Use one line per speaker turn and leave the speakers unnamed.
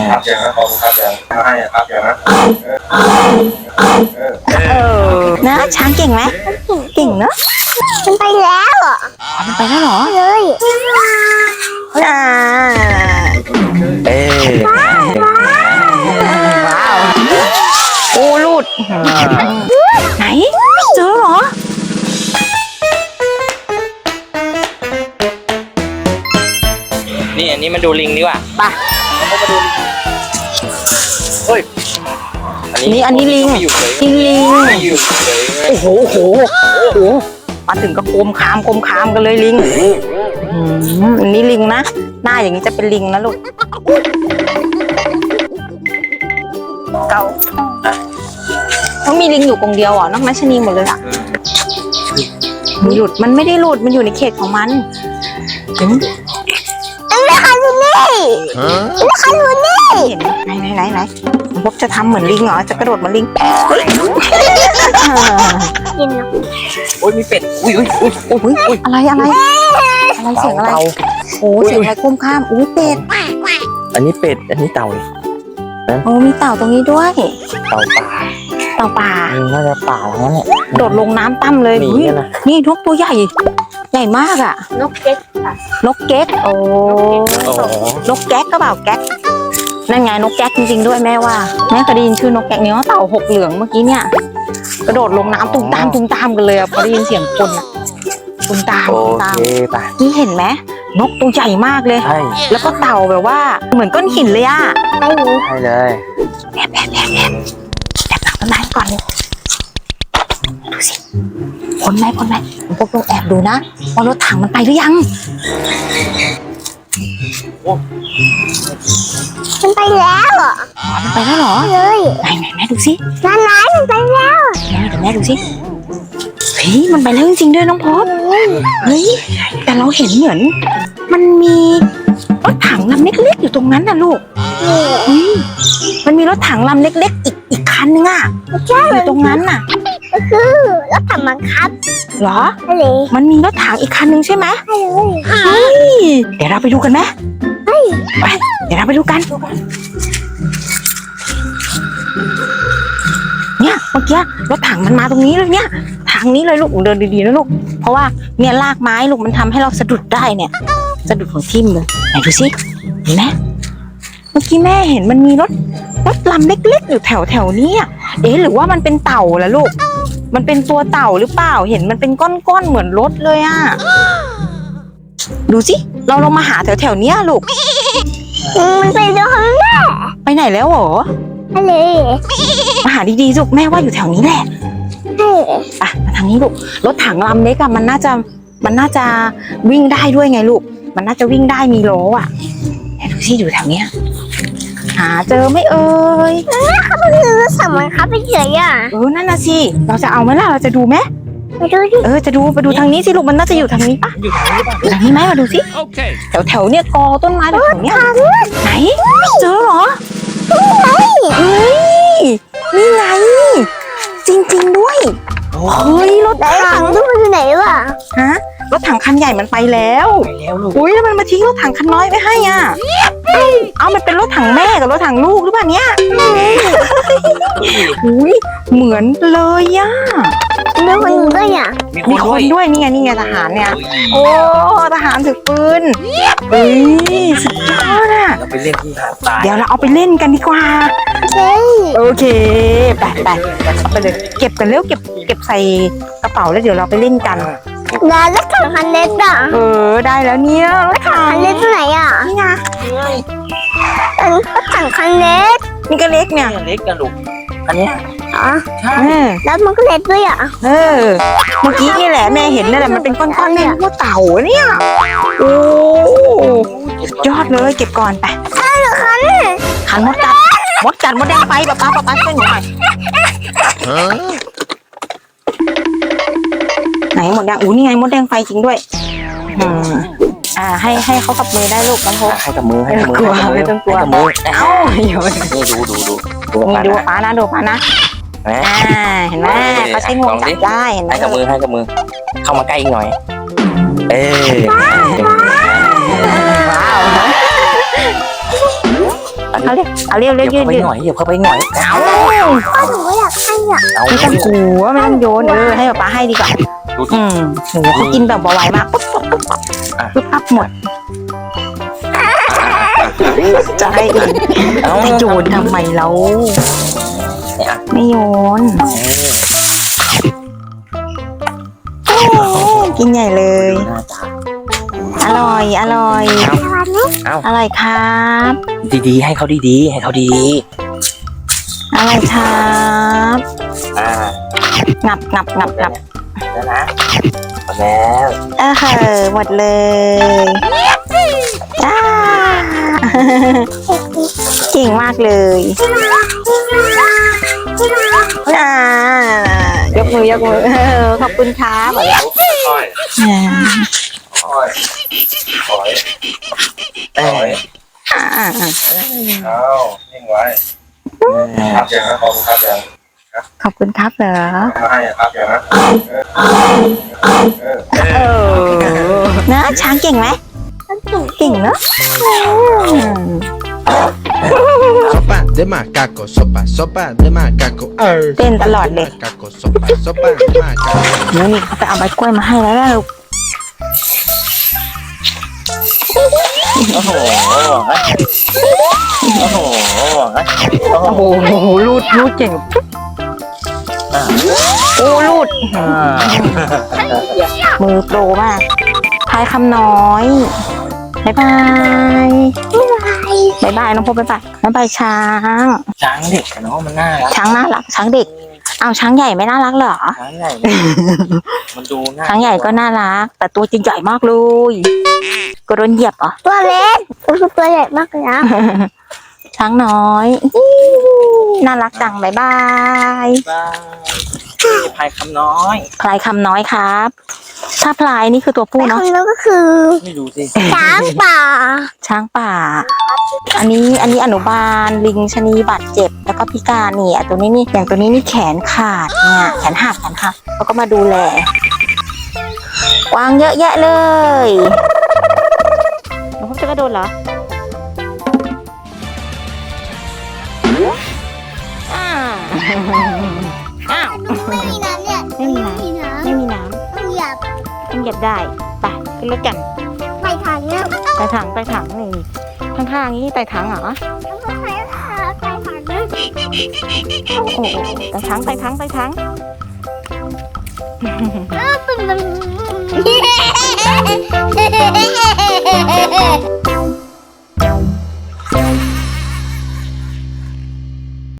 ครับอย่างนะขอบคุณครับอย่างให้ครับอย่างนะ
นะช้างเก่งไหมเก่งเนอะ
มันไปแล้วอ่ะ
มันไปแล้วเหรอ
เลย
อ่า ว้าวโอ้หลุดไหนเจอเหรอ
นี่อันนี้มันดูลิงดีกว่า
ไป
เฮ้ย
อันนี้ลิง
ไม่อยู่เลย
ลิง
ไม่อยู่เลย
โอ้โหมาถึงก็โคมคามกันเลยลิงอันนี้ลิงนะหน้าอย่างนี้จะเป็นลิงนะลูกเก่าต้องมีลิงอยู่กรงเดียวอ่ะนอกนั้นชะนีหมดเลยอ่ะมันไม่ได้หลุดมันอยู่ในเขตของมัน
ไม่คันอยู่นี่ไม่คันอยู่นี่
เห็นไหนพบจะทำเหมือนลิงเหรอจะกระโดดเหมือนลิง
กินนะ
โอ้ยมีเป็ดอุ้ย
อะไรเสียงอะไรโอ้เสียงอะไรก้มข้ามอุ้ยเป็ด
อันนี้เป็ดอันนี้เต่า
โอ้มีเต่าตรงนี้ด้วย
เต่าป่า
เต่าป่า
น่าจะป่าแล้วเนี่ย
โดดลงน้ำตั้มเลย
หนีกันนะ
นี่นกตัวใหญ่มากอ่ะ
นกเก็ตค่ะ
นกเก๊กโอ้
โอ้โห
นกแก๊กก็เปล่าแก๊กนั่นไงนกแก๊กจริงๆด้วยแม่ว่าแม่เคยได้ยินชื่อนกแก๊กเนี่ยเต่าหกเหลืองเมื่อกี้เนี่ยกระโดดลงน้ำตุ้มตามกันเลยอ่ะพอได้ยินเสียงคนอ่ะตุ้มตาม
โอเคไป
นี่เห็นไหมนกตัวใหญ่มากเลย
ใช่
แล้วก็เต่าแบบว่าเหมือนก้อนหินเลยอ่ะ
ไม่รู้
ใช่เลย
แอบหลังต้นไม้ก่อนเลยดูสิพ้นไหมพวกเราแอบดูนะว่ารถถังมันไปหรือยัง
มันไปแล้วอ่ะ
มันไปแล้วเหรอ
เลย
ไหนแม่ดูสิ
นั่นไงมันไปแล้ว
เดี๋ยวแม่ดูสิเฮ้ยมันไปแล้วจริงๆด้วยน้องพบเฮ้ยแต่เราเห็นเหมือนมันมีรถถังลำเล็กๆอยู่ตรงนั้นน่ะลูกเฮ้ยมันมีรถถังลำเล็กๆอีกคันนึงอ่ะอยู่ตรงนั้นน่ะ
ก็คือรถถังบังคับ
เหรอ
อะไร
มันมีรถถังอีกคันนึงใช่ไหม
เลย
เฮ้ยเดี๋ยวเราไปดูกันไหมไปเดี๋ยวเราไปดูกันเนี่ยเมื่อกี้รถถังมันมาตรงนี้เลยเนี่ยทางนี้เลยลูกเดินดีๆนะลูกเพราะว่าเนี่ยลากไม้ลูกมันทำให้เราสะดุดได้เนี่ยสะดุดของทิ่มเลยไหนดูสิเห็นไหมเมื่อกี้แม่เห็นมันมีรถลำเล็กๆอยู่แถวนี้เอ๊ะหรือว่ามันเป็นเต่าล่ะลูกมันเป็นตัวเต่าหรือเปล่าเห็นมันเป็นก้อนๆเหมือนรถเลยอ่ะดูสิเราลองมาหาแถวเนี้ยลูก
มันไปแล้วแม่
ไปไหนแล้วเหรอ
อะไร
มาหาดีๆลูกแม่ว่าอยู่แถวนี้แหละไปมาทางนี้ลูกรถถังลำเล็กอะมันน่าจะวิ่งได้ด้วยไงลูกมันน่าจะวิ่งได้มีล้ออะดูสิอยู่แถวเนี้ยหาเจอไหมเอ่ย
เขาเป็นรถถังบังคับไปเฉยอ่ะ
นั่นน่ะสิเราจะเอาไหมล่ะเราจะดูไหม
ไปดูดิ
จะดูไปดูทางนี้สิลูกมันน่าจะอยู่ทางนี้ปะ
อยู่ทางนี้ป่ะ
อยู่ทางนี้ไหมมาดูสิ
โอเค
แถวเนี่ยกอต้นไม้แถวเนี้ยไหนเจอเหรอเฮ้ยนี่ไงจริงๆด้วยเฮ้ยรถ
ไหน
ถั
ถั
ง
งทุกคนอยู่ไหนวะ
ฮะรถถังคันใหญ่มันไปแล้ว
ไปแล้วลูก
อุ้ยแล้วมันมาทิ้งรถถังคันน้อยไว้ให้อ่ะเอามันเป็นรถถังแม่กับรถถังลูกหรือเปล่าเนี่ยอุ้ยเหมือนเลยอ่ะ
มีคนอยู่ด้วยอ่ะ
มีคนด้วยนี่ไงทหารเนี่ยโอ้ทหารถือปืนเฮ้ยสุดยอดอ่ะ
เราไปเล่นที่หาดทราย
เดี๋ยวเราเอาไปเล่นกันดีกว่า
เฮ้ย
โอเคไปเอาไปเลยเก็บกันเร็วเก็บใส่กระเป๋าแล้วเดี๋ยวเราไปเล่นกัน
แล้วรถถังคันเล็กอ่ะ
ได้แล้วเนี่ยรถถั
คั
ง
นเล็กที่ไหนอ่ะ
นี่ไง
รถถังคันเล็ก
นี่ก็เล็กเนี่ย
เล็กกันลูกอันเนี้ย
อ๋อ
ใช่
แล้วมันก็เล็กด้วยอ่ะ
เมื่อกี้นี่แหละแม่เห็นนั่นแหละมันเป็นก้อนๆแม่นึกว่าเต่าเนี่ยโอ้ยอดเลยเก็บก่อนไปขันมดกัดมดแดงไฟป๊าช่วยหนูหน่อยไหนหมดแดงนี่ไงมดแดงไฟจริงด้วยให้เขากับมือได้ลูกน้องพก
ให้กับมือให้
ไม่
กับ
ต้
มื
องกลัวไม่ต้องกลัว
ให้กับมือ
เอ้าเดี๋ยว
นี่ดู
นี่ดูป้านะเห็นไหมเขาใช้งวงจับได้เห็นไหม
ให้กับมือเข้ามาใกล้อีกหน่อยว้าว
ว้าวเอาเร็ว
เหยี
ยื
ยบ
ด
เข้าไปหน่อยเหยียบเข้าไปหน่อยเอา
พ่อหนูก็อยากให้อ่ะ
เอา
ไม่ต้องกลัวไม่ต้องโยนให้ป๊าให้ดีกว่า
ดูสิ
หนูเขากินแบบไวมากปุ๊บปั๊บหมดจะให้เองจะโยนทำไมเรา
เนี่ย
ไม่โยนกินใหญ่เลย
หน้าตา
อร่อยอร่อยครับ
ดีๆให้เขาดีๆให้เขาดี
อร่อยครับ
ๆ
งับ
แล้วนะหมดแล้ว
หมดเลยจ้าเก่งมากเลยยกมือขอบคุณครับ
ค่อยค่อยถอยเอานิ่งไว้ครับอย่างนะขอบคุณครับอย่าง
ขอบคุณครับเหรอ
มาให้ครับอย่างนะ
นะช้างเก่งไหมเก่งเนอะ
Sopa de macaco, sopa de macaco.
เต้นตลอดเลย
Macaco, sopa de macaco.
นี่เขาไปเอาใบกล้วยมาให้แล้วลูก
โอ้โหโอ้โห
โอ้โหรูดเก่งโอ้รูดมือโปรมากพายคำน้อยบายบายน้องพบบ๊ายบายช้าง
ช้างเด็กเนาะมันน่ารัก
ช้างน่ารักช้างเด็กเอาช้างใหญ่ไม่น่ารักเหรอ
ช้างใหญ่มันดูน่า
ช้างใหญ่ก็น่ารัก แต่ตัวจริงใหญ่มากเลยก็โดนเหยียบเหรอ
ตัวเล็กก็คือตัวใหญ่มากเลยนะ
ช้างน้อยน่ารักจังบายบาย
พายคำน้อย
พลายคำน้อยครับ ถ้าพลายนี่คือตัวผู้
แต่
เนาะ
คนนั้นก็คือ
ไม่ดูสิ
ช้างป่า
ช้างป่า อันนี้อนุบาลลิงชะนีบาดเจ็บแล้วก็พิการนี่ตัวนี้นี่อย่างตัวนี้นี่แขนขาดเนี่ยแขนหักแล้วก็มาดูแลกวางเยอะแยะเลยน้องพบจะกระโดดเหรออ้าว
ไม่มีน้ำเนี่ย
ไม่มีน้ำ ไม่มีน้
ต้องเหยียบ
ำต้องเหยียบได้ไปขึ้นรถกัน
ไปทางเนี่ย
ไต่ถังนี่ข้างๆนี้ไต่ถังเหรอ
ต้องไปทางเนี่ย
โอ้โหไต่ถัง
ตึ้ง